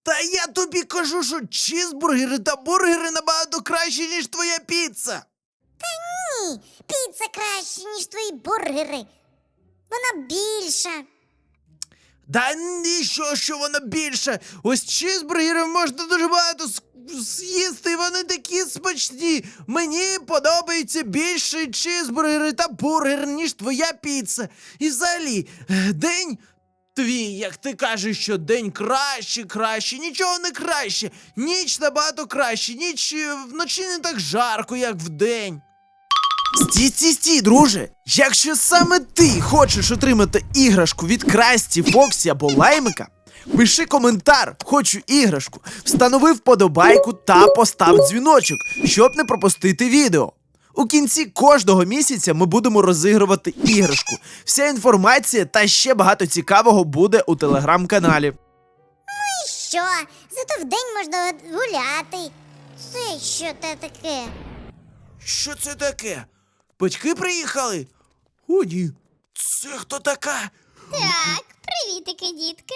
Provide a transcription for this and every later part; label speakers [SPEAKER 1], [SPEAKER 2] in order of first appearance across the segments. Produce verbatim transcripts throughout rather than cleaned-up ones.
[SPEAKER 1] Та я тобі кажу, що чізбургери та бургери набагато кращі, ніж твоя піца.
[SPEAKER 2] Ні, піца краще, ніж твої бургери. Вона більша.
[SPEAKER 1] Да ні, що, що вона більше. Ось чізбургерів можна дуже багато с- з'їсти, і вони такі смачні. Мені подобаються більше чізбургери та бургер, ніж твоя піца. І взагалі, е, день твій, як ти кажеш, що день краще, краще, нічого не краще. Ніч набагато краще, ніч е, вночі не так жарко, як вдень. Стій, стій, стій, друже! Якщо саме ти хочеш отримати іграшку від Красті, Фоксі або Лаймика, пиши коментар «Хочу іграшку», встанови вподобайку та постав дзвіночок, щоб не пропустити відео. У кінці кожного місяця ми будемо розігрувати іграшку. Вся інформація та ще багато цікавого буде у телеграм-каналі.
[SPEAKER 2] І що? Зато вдень можна гуляти. Це що те таке?
[SPEAKER 1] Що це таке? Батьки приїхали? О, ні. Це хто така?
[SPEAKER 3] Так, привітики, дітки.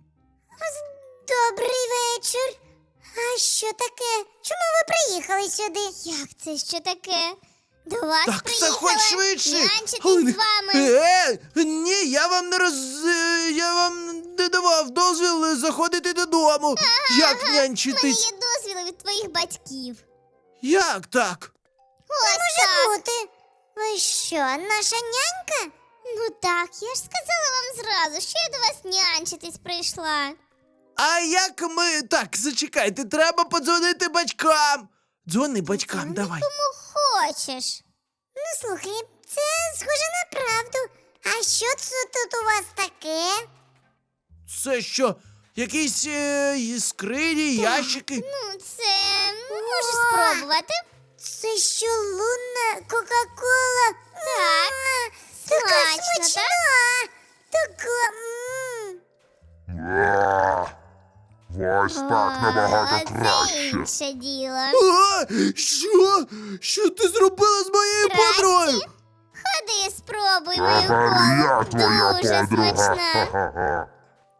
[SPEAKER 2] Добрий вечір. А що таке? Чому ви приїхали сюди?
[SPEAKER 3] Як це що таке? До вас
[SPEAKER 1] Так,
[SPEAKER 3] приїхала
[SPEAKER 1] заходь швидше.
[SPEAKER 3] нянчитись
[SPEAKER 1] Галина,
[SPEAKER 3] з вами.
[SPEAKER 1] Е, ні, я вам не роз... е, я вам не давав дозвіл заходити додому. Як
[SPEAKER 3] У мене
[SPEAKER 1] нянчитись?
[SPEAKER 3] є дозвіл від твоїх батьків.
[SPEAKER 1] Як так?
[SPEAKER 3] Ось
[SPEAKER 2] Може
[SPEAKER 3] так.
[SPEAKER 2] бути. Ви що, наша нянька?
[SPEAKER 3] Ну так, я ж сказала вам зразу, що я до вас нянчитись прийшла.
[SPEAKER 1] А як ми... Так, зачекайте, треба подзвонити батькам. Дзвони батькам, давай.
[SPEAKER 3] Кому хочеш.
[SPEAKER 2] Ну слухай, це схоже на правду. А що це тут у вас таке?
[SPEAKER 1] Це що, якісь е, скрині, ящики?
[SPEAKER 3] Ну, це можеш
[SPEAKER 2] О!
[SPEAKER 3] спробувати.
[SPEAKER 2] Це що, лунна Кока-Кола?
[SPEAKER 3] Так,
[SPEAKER 2] М, Така
[SPEAKER 3] смачно,
[SPEAKER 2] смачна. Така. м.
[SPEAKER 4] А, Ось так набагато
[SPEAKER 3] А, Це
[SPEAKER 4] краще.
[SPEAKER 3] інше діло.
[SPEAKER 1] А, що? Що ти зробила з моєю
[SPEAKER 3] Красті?
[SPEAKER 1] подругою?
[SPEAKER 3] Ходи, спробуй мою
[SPEAKER 4] Тепер я
[SPEAKER 3] колу.
[SPEAKER 4] твоя
[SPEAKER 3] Дуже
[SPEAKER 4] подруга.
[SPEAKER 3] смачна.
[SPEAKER 4] Ха-ха-ха.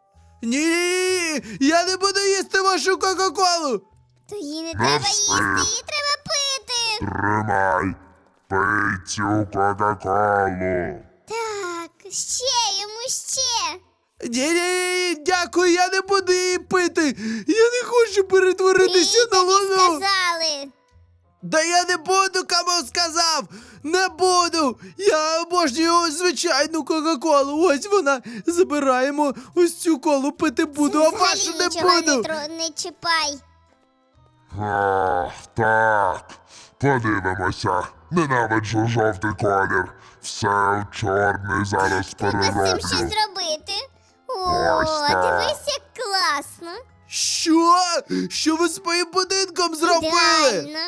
[SPEAKER 1] Ні, я не буду їсти вашу Кока-Колу.
[SPEAKER 3] То її не
[SPEAKER 4] Ну,
[SPEAKER 3] треба
[SPEAKER 4] все.
[SPEAKER 3] їсти, її треба пити.
[SPEAKER 4] Тримай, пий цю Кока-Колу.
[SPEAKER 3] Так, ще йому ще.
[SPEAKER 1] Ні-ні, дякую, я не буду її пити. Я не хочу перетворитися
[SPEAKER 3] Пий,
[SPEAKER 1] на
[SPEAKER 3] тобі
[SPEAKER 1] луну.
[SPEAKER 3] сказали.
[SPEAKER 1] Да я не буду, кому сказав. Не буду. Я обожнюю звичайну Кока-Колу. Ось вона. Забираємо ось цю колу, пити буду, а вашу
[SPEAKER 3] Взагалі
[SPEAKER 1] не
[SPEAKER 3] нічого
[SPEAKER 1] буду.
[SPEAKER 3] Не, тро- не чіпай.
[SPEAKER 4] Ах, так. Подивимося. Ненавиджу жовтий колір. Все в чорний зараз
[SPEAKER 3] Треба з цим
[SPEAKER 4] перероблю.
[SPEAKER 3] щось зробити. О,
[SPEAKER 4] Ось так.
[SPEAKER 3] дивись, як класно.
[SPEAKER 1] Що? Що ви з моїм будинком зробили?
[SPEAKER 3] Ідеально.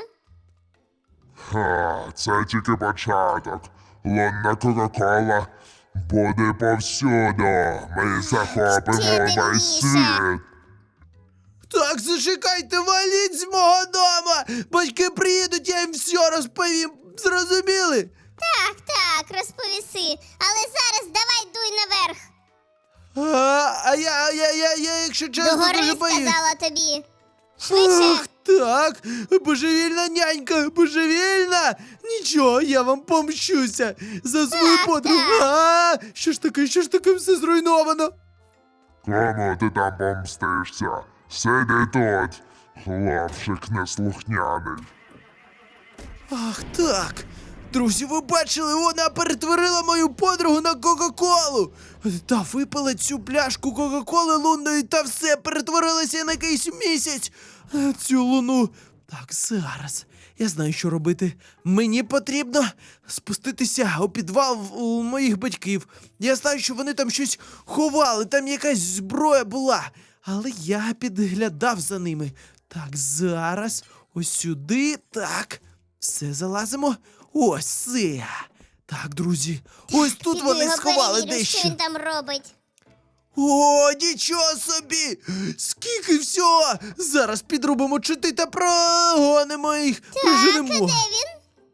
[SPEAKER 4] Ха, це тільки початок. Лунна Кока-Кола буде повсюду. Ми захопимо
[SPEAKER 3] Ще
[SPEAKER 4] весь
[SPEAKER 3] темніше.
[SPEAKER 4] світ.
[SPEAKER 1] Так, зачекайте, валіть з мого дома. Батьки приїдуть, я їм все розповім. Зрозуміли?
[SPEAKER 3] Так, так, розповіси. Але зараз давай дуй наверх.
[SPEAKER 1] А, а я, я, я, я, якщо чесно,
[SPEAKER 3] Догори
[SPEAKER 1] дуже боюсь.
[SPEAKER 3] сказала тобі. Швидше.
[SPEAKER 1] Ах, так, божевільна нянька, божевільна. Нічого, я вам помщуся за свою
[SPEAKER 3] Так,
[SPEAKER 1] подругу.
[SPEAKER 3] так.
[SPEAKER 1] А, що ж таке, що ж таке, все зруйновано.
[SPEAKER 4] Кому ти там помстишся? Сиди тут, хлопчик неслухняний.
[SPEAKER 1] Ах, так. Друзі, ви бачили, вона перетворила мою подругу на Кока-Колу. Та випила цю пляшку Кока-Коли лунної та все, перетворилася на якийсь місяць. Е, Цю луну. Так, зараз. Я знаю, що робити. Мені потрібно спуститися у підвал в- у моїх батьків. Я знаю, що вони там щось ховали, там якась зброя була. Але я підглядав за ними. Так, зараз. Ось сюди. Так. Все, залазимо. Ось це. Так, друзі. Ось тут
[SPEAKER 3] Піди
[SPEAKER 1] вони
[SPEAKER 3] його
[SPEAKER 1] сховали
[SPEAKER 3] перевірю,
[SPEAKER 1] дещо.
[SPEAKER 3] що він там робить.
[SPEAKER 1] О, нічого собі! Скільки всього! Зараз підрубимо чити та прогонимо їх.
[SPEAKER 3] Так, а
[SPEAKER 1] Проженемо.
[SPEAKER 3] де він?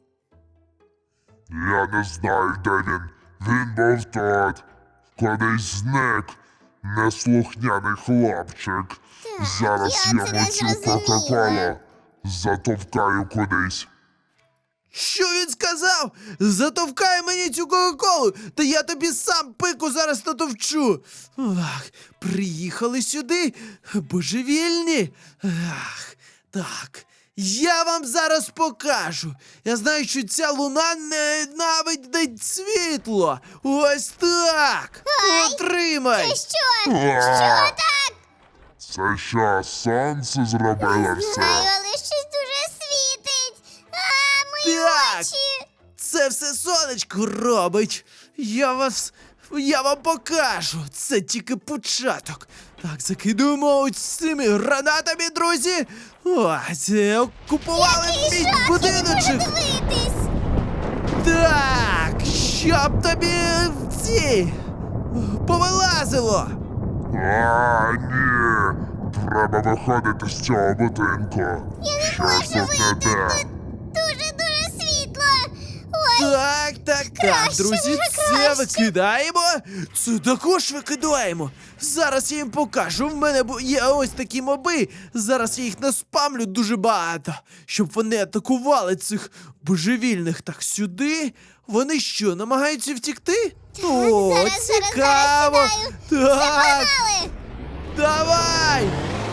[SPEAKER 4] Я не знаю, де він. Він був тут. Кудись зник. Неслухняний хлопчик. Зараз
[SPEAKER 3] я
[SPEAKER 4] я
[SPEAKER 3] це не
[SPEAKER 4] йому цю
[SPEAKER 3] зрозуміла.
[SPEAKER 4] Кока-Колу затовкаю кудись.
[SPEAKER 1] Що він сказав? Затовкай мені цю кока-колу, та я тобі сам пику зараз натовчу. Ах, приїхали сюди, божевільні. Ах, так, я вам зараз покажу. Я знаю, що ця луна ненавидить світло. Ось так. Отримай.
[SPEAKER 3] Ти що?
[SPEAKER 4] А,
[SPEAKER 3] Що так?
[SPEAKER 4] Це що, сонце зробило все?
[SPEAKER 3] Знаю, але щось дуже світить. А, мої
[SPEAKER 1] Так.
[SPEAKER 3] очі.
[SPEAKER 1] Це все сонечко робить. Я вас. Я вам покажу. Це тільки початок. Так, закидуємо ось цими гранатами, друзі. О, це окупували
[SPEAKER 3] Який
[SPEAKER 1] мій
[SPEAKER 3] жах, я не можу
[SPEAKER 1] будиночок.
[SPEAKER 3] дивитись.
[SPEAKER 1] Так, щоб тобі ці повилазило.
[SPEAKER 4] А, ні. Треба виходити з цього будинку.
[SPEAKER 3] Я не
[SPEAKER 4] Щось
[SPEAKER 3] можу
[SPEAKER 4] тут не
[SPEAKER 3] вийти,
[SPEAKER 4] те.
[SPEAKER 3] тут дуже-дуже світло. Ой,
[SPEAKER 1] Так, так, так,
[SPEAKER 3] Краще,
[SPEAKER 1] друзі,
[SPEAKER 3] вже
[SPEAKER 1] це
[SPEAKER 3] краще.
[SPEAKER 1] викидаємо. Це також викидаємо. Зараз я їм покажу. В мене бу- є ось такі моби. Зараз я їх наспамлю дуже багато, щоб вони атакували цих божевільних. Так, сюди. Вони що, намагаються втікти? О,
[SPEAKER 3] зараз, зараз,
[SPEAKER 1] цікаво.
[SPEAKER 3] зараз сідаю.
[SPEAKER 1] Так,
[SPEAKER 3] погнали.
[SPEAKER 1] давай.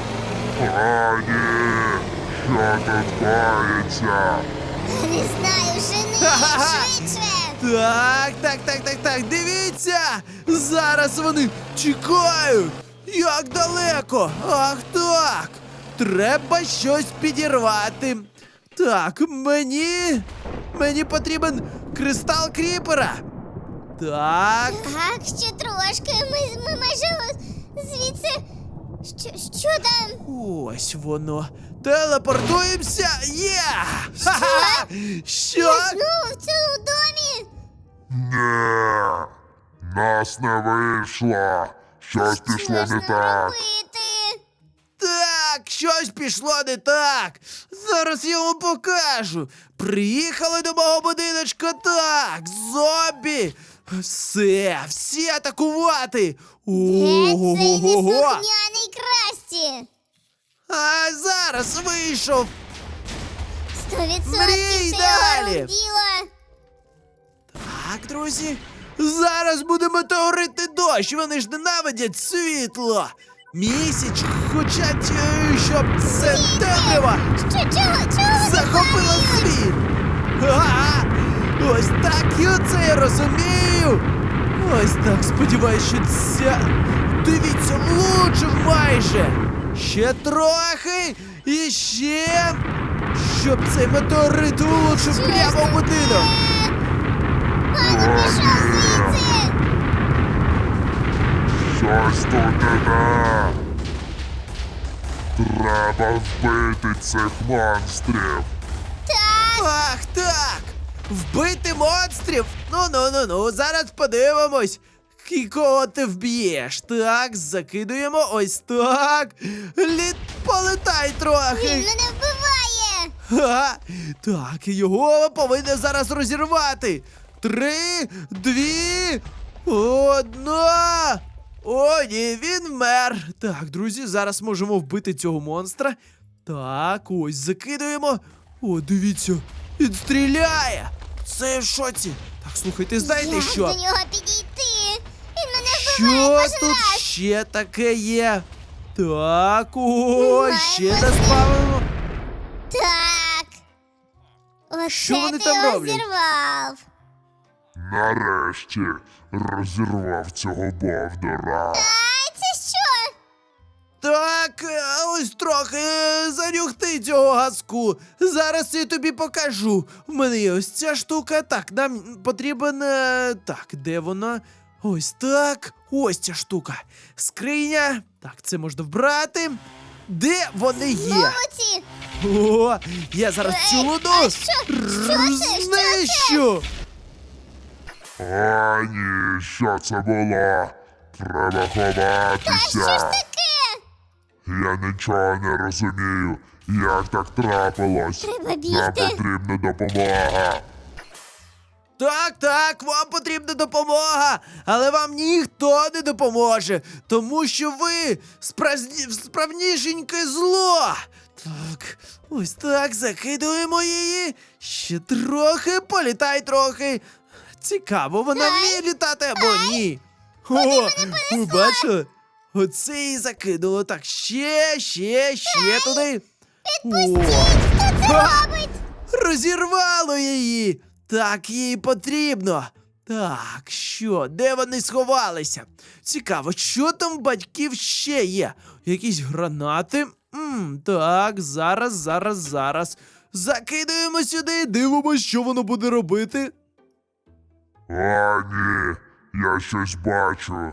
[SPEAKER 4] А, ні. Що тут коїться?
[SPEAKER 3] Не знаю, жени,
[SPEAKER 1] Ха-ха-ха.
[SPEAKER 3] швидше.
[SPEAKER 1] Так, так, так, так, так, дивіться! Зараз вони тікають! Як далеко! Ах так! Треба щось підірвати. Так, мені. Мені потрібен кристал кріпера. Так.
[SPEAKER 3] Так, ще трошки. Ми, ми майже ось звідси. Що, що там?
[SPEAKER 1] Ось воно. Телепортуємося! Є! Ха-ха! Що?
[SPEAKER 3] Знову в цьому домі?
[SPEAKER 4] Ні. Нас не вийшло. Щось пішло
[SPEAKER 3] Що ж
[SPEAKER 4] не
[SPEAKER 3] нам
[SPEAKER 4] так.
[SPEAKER 3] робити?
[SPEAKER 1] Так, щось пішло не так. Зараз я вам покажу. Приїхали до мого будиночка, так, зомбі. Все, всі атакувати.
[SPEAKER 3] Де цей
[SPEAKER 1] Ого-го-го-го.
[SPEAKER 3] неслухняний Красті?
[SPEAKER 1] А зараз вийшов.
[SPEAKER 3] Сто
[SPEAKER 1] Мрій
[SPEAKER 3] відсотків це
[SPEAKER 1] далі.
[SPEAKER 3] його діло.
[SPEAKER 1] Так, друзі, зараз буде метеоритний дощ. Вони ж ненавидять світло. Місяць хочуть, е, щоб це темрява
[SPEAKER 3] Що, чого, чого вони
[SPEAKER 1] захопила
[SPEAKER 3] падають?
[SPEAKER 1] світ. Ага, ось так я це розумію. Ось так, сподіваюсь, що ця. Дивіться, влучив майже. Ще трохи і ще. Щоб цей метеорит влучив прямо в будинок.
[SPEAKER 3] Ану, пішов звідси.
[SPEAKER 4] Щось тут не те. Треба вбити цих монстрів.
[SPEAKER 3] Так,
[SPEAKER 1] Ах, так! Вбити монстрів? Ну ну ну ну, зараз подивимось. І кого ти вб'єш? Так, закидуємо ось так. Літ, полетай
[SPEAKER 3] він
[SPEAKER 1] трохи.
[SPEAKER 3] мене вбиває.
[SPEAKER 1] Ха, так, його повинен зараз розірвати. Три, дві, одна. О, ні, він вмер. Так, друзі, зараз можемо вбити цього монстра. Так, ось закидуємо. О, дивіться, він стріляє. Це в шоці. Так, слухайте, знаєте
[SPEAKER 3] Як
[SPEAKER 1] що?
[SPEAKER 3] до нього підійти? Він мене вбиває
[SPEAKER 1] Що
[SPEAKER 3] кожен
[SPEAKER 1] тут
[SPEAKER 3] раз.
[SPEAKER 1] ще таке є? Так, о,
[SPEAKER 3] Немає
[SPEAKER 1] ще
[SPEAKER 3] нас.
[SPEAKER 1] наспавимо.
[SPEAKER 3] Так. Оце
[SPEAKER 1] Що вони
[SPEAKER 3] ти
[SPEAKER 1] там роблять?
[SPEAKER 3] розірвав.
[SPEAKER 4] Нарешті розірвав цього бовдора.
[SPEAKER 3] Ай, це що?
[SPEAKER 1] Так, е, ось трохи е, занюхти цього газку. Зараз я тобі покажу. В мене є ось ця штука. Так, нам потрібен. е, Так, де вона? Ось так. Ось ця штука. Скриня. Так, це можна вбрати. Де вони є?
[SPEAKER 3] Знову ці.
[SPEAKER 1] О, я зараз цю
[SPEAKER 3] Ей,
[SPEAKER 1] луну
[SPEAKER 3] а що? Що це? Що це?
[SPEAKER 1] знищу.
[SPEAKER 4] А, ні, що це було? Треба
[SPEAKER 3] Що ж
[SPEAKER 4] ховатися.
[SPEAKER 3] таке?
[SPEAKER 4] Я нічого не розумію. Як так трапилось?
[SPEAKER 3] Треба
[SPEAKER 4] Нам
[SPEAKER 3] бігти.
[SPEAKER 4] потрібна допомога.
[SPEAKER 1] Так, так, вам потрібна допомога, але вам ніхто не допоможе, тому що ви спразні... справнішеньке зло. Так, ось так, закидуємо її. Ще трохи, політай трохи. Цікаво, вона вміє літати або ні. О, ви бачили? Оце її закинуло. Так, ще, ще, ще туди. О, ха! Розірвало її. Так їй потрібно. Так, що, де вони сховалися? Цікаво, що там в батьків ще є? Якісь гранати? Мм, так, зараз, зараз, зараз. Закидуємо сюди, дивимося, що воно буде робити.
[SPEAKER 4] А, ні, я щось бачу.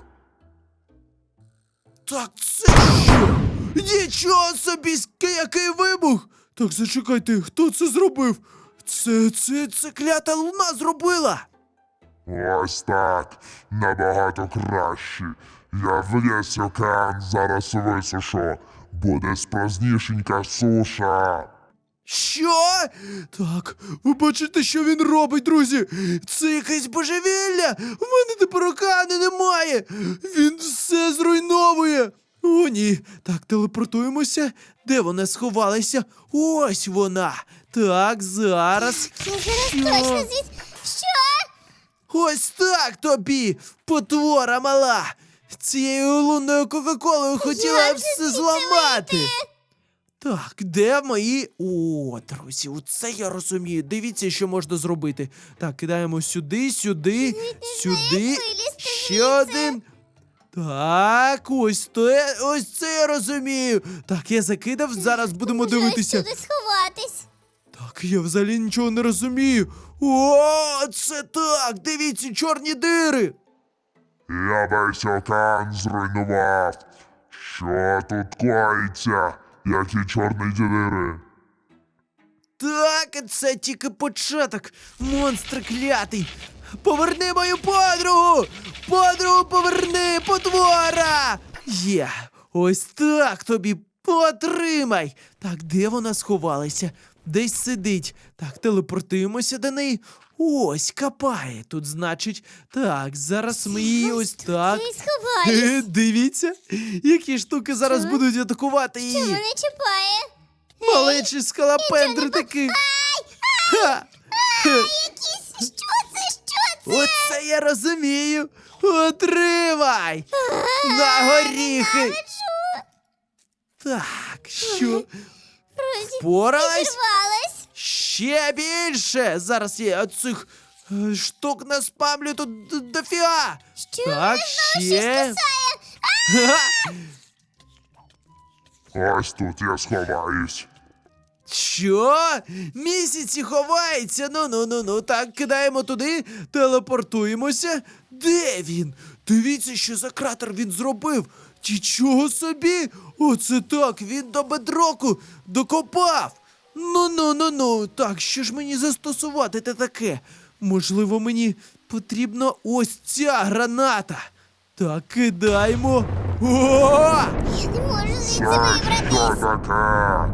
[SPEAKER 1] Так це що? Нічого собі, ск- який вибух! Так, зачекайте, хто це зробив? Це, це, це клята луна зробила!
[SPEAKER 4] Ось так, набагато краще. Я весь океан зараз висушу. Буде справжнішенька суша.
[SPEAKER 1] Що? Так, ви бачите, що він робить, друзі? Це якесь божевілля! В мене тепер океану немає! Він все зруйновує! О, ні. Так, телепортуємося. Де вона сховалася? Ось вона. Так, зараз.
[SPEAKER 3] Я зараз
[SPEAKER 1] Що?
[SPEAKER 3] точно звідси. Що?
[SPEAKER 1] Ось так тобі, потвора мала! Цією лунною Кока-Колою хотіла
[SPEAKER 3] Як же
[SPEAKER 1] все
[SPEAKER 3] звідси
[SPEAKER 1] зламати.
[SPEAKER 3] вийти?
[SPEAKER 1] Так, де мої. О, друзі, оце я розумію. Дивіться, що можна зробити. Так, кидаємо сюди, сюди, сюди.
[SPEAKER 3] вилізти
[SPEAKER 1] Ще
[SPEAKER 3] звідси.
[SPEAKER 1] один. Так, ось те, ось це я розумію. Так, я закидав, зараз будемо
[SPEAKER 3] Може,
[SPEAKER 1] дивитися.
[SPEAKER 3] ось сюди сховатись.
[SPEAKER 1] Так, я взагалі нічого не розумію. О, це так! Дивіться, чорні дири!
[SPEAKER 4] Я весь океан зруйнував. Що тут коїться? Які чорні діри?
[SPEAKER 1] Так, це тільки початок. Монстр клятий. Поверни мою подругу! Подругу поверни, потвора! Є, ось так тобі потримай. Так, де вона сховалася? Десь сидить. Так, телепортуємося до неї. Ось, копає тут, значить. Так, зараз ми її ось так.
[SPEAKER 3] Я й сховаюсь.
[SPEAKER 1] Е, Дивіться, які штуки зараз
[SPEAKER 3] Що?
[SPEAKER 1] будуть атакувати
[SPEAKER 3] Що
[SPEAKER 1] її.
[SPEAKER 3] мене чіпає?
[SPEAKER 1] Малечі скалопендри такі. Ха! Ха!
[SPEAKER 3] Якісь, що це, що це?
[SPEAKER 1] Оце я розумію. Отримай! На горіхи! Так, що?
[SPEAKER 3] Розі,
[SPEAKER 1] Поралась?
[SPEAKER 3] зірвалась.
[SPEAKER 1] Ще більше! Зараз я оцих е, штук наспамлю тут д- дофіга!
[SPEAKER 3] Що?
[SPEAKER 1] Так,
[SPEAKER 3] Щось
[SPEAKER 1] ще.
[SPEAKER 3] кусає.
[SPEAKER 1] Ха!
[SPEAKER 4] Ось тут я сховаюсь.
[SPEAKER 1] Що? Місяці ховається. Ну ну ну ну. Так, кидаємо туди, телепортуємося. Де він? Дивіться, що за кратер він зробив. Нічого собі! Оце так, він до бедроку докопав. Ну ну ну ну. Так, що ж мені застосувати те таке? Можливо, мені потрібна ось ця граната. Так, кидаємо. О!
[SPEAKER 3] Я не можу звідси
[SPEAKER 4] Це що
[SPEAKER 3] вибратись.
[SPEAKER 4] таке?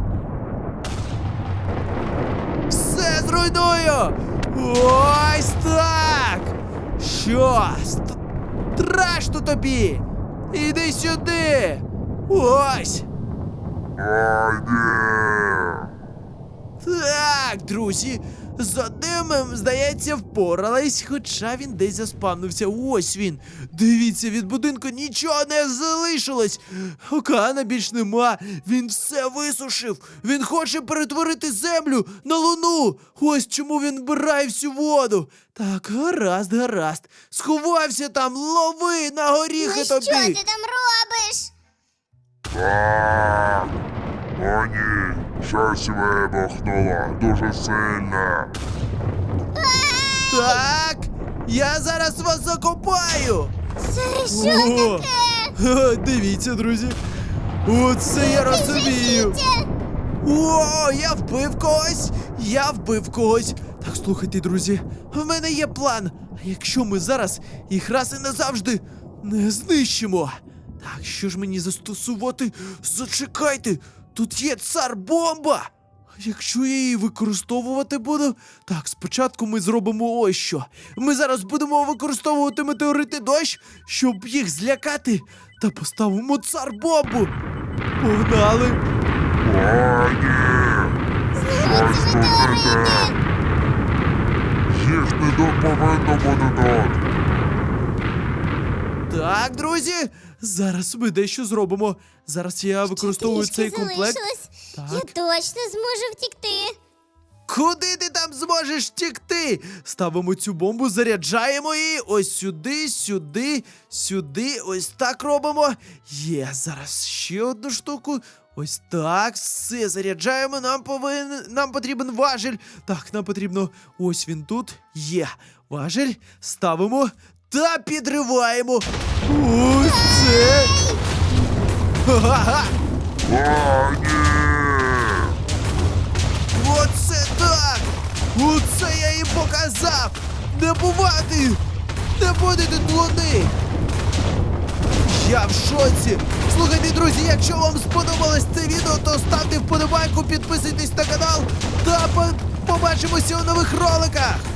[SPEAKER 1] Все зруйную! Ось так! Що? Ст- Страшно тобі! Іди сюди! Ось!
[SPEAKER 4] Ой, ні.
[SPEAKER 1] Так, друзі, з одним, здається, впорались, хоча він десь заспавнився. Ось він. Дивіться, від будинку нічого не залишилось. Океана більш нема. Він все висушив. Він хоче перетворити землю на луну. Ось чому він вбирає всю воду. Так, гаразд, гаразд. Сховався там, лови на горіхи
[SPEAKER 3] Ну,
[SPEAKER 1] тобі.
[SPEAKER 3] що ти там робиш?
[SPEAKER 4] А, О, ні, щось вибухнуло дуже сильно.
[SPEAKER 1] Так, я зараз вас закопаю.
[SPEAKER 3] Це що
[SPEAKER 1] О,
[SPEAKER 3] таке?
[SPEAKER 1] ха, дивіться, друзі. Оце я розумію.
[SPEAKER 3] Жахіття.
[SPEAKER 1] О, я вбив когось! Я вбив когось! Так, слухайте, друзі, в мене є план. А якщо ми зараз їх раз і назавжди не знищимо? Так, що ж мені застосувати? Зачекайте! Тут є цар-бомба! Якщо я її використовувати буду. Так, спочатку ми зробимо ось що. Ми зараз будемо використовувати метеорити дощ, щоб їх злякати. Та поставимо цар-бомбу. Погнали.
[SPEAKER 4] О, ні! Щось тут не те! Їх не до- повинно бути тут!
[SPEAKER 1] Так, друзі, зараз ми дещо зробимо. Зараз я використовую цей
[SPEAKER 3] Трішки
[SPEAKER 1] комплект.
[SPEAKER 3] залишилось. Я
[SPEAKER 1] Так.
[SPEAKER 3] точно зможу втікти.
[SPEAKER 1] Куди ти там зможеш втікти? Ставимо цю бомбу, заряджаємо її. Ось сюди, сюди, сюди. Ось так робимо. Є, зараз ще одну штуку. Ось так, все заряджаємо. Нам повинен, нам потрібен важіль. Так, нам потрібно. Ось він тут. Є. Важіль. Ставимо та підриваємо. Ось це. Ха-ха-ха.
[SPEAKER 4] О, ні!
[SPEAKER 1] Оце так! Оце я їм показав! Не бувати! Не буде тут луни! Я в шоці! Слухайте, друзі, якщо вам сподобалось це відео, то ставте вподобайку, підписуйтесь на канал та по- побачимося у нових роликах!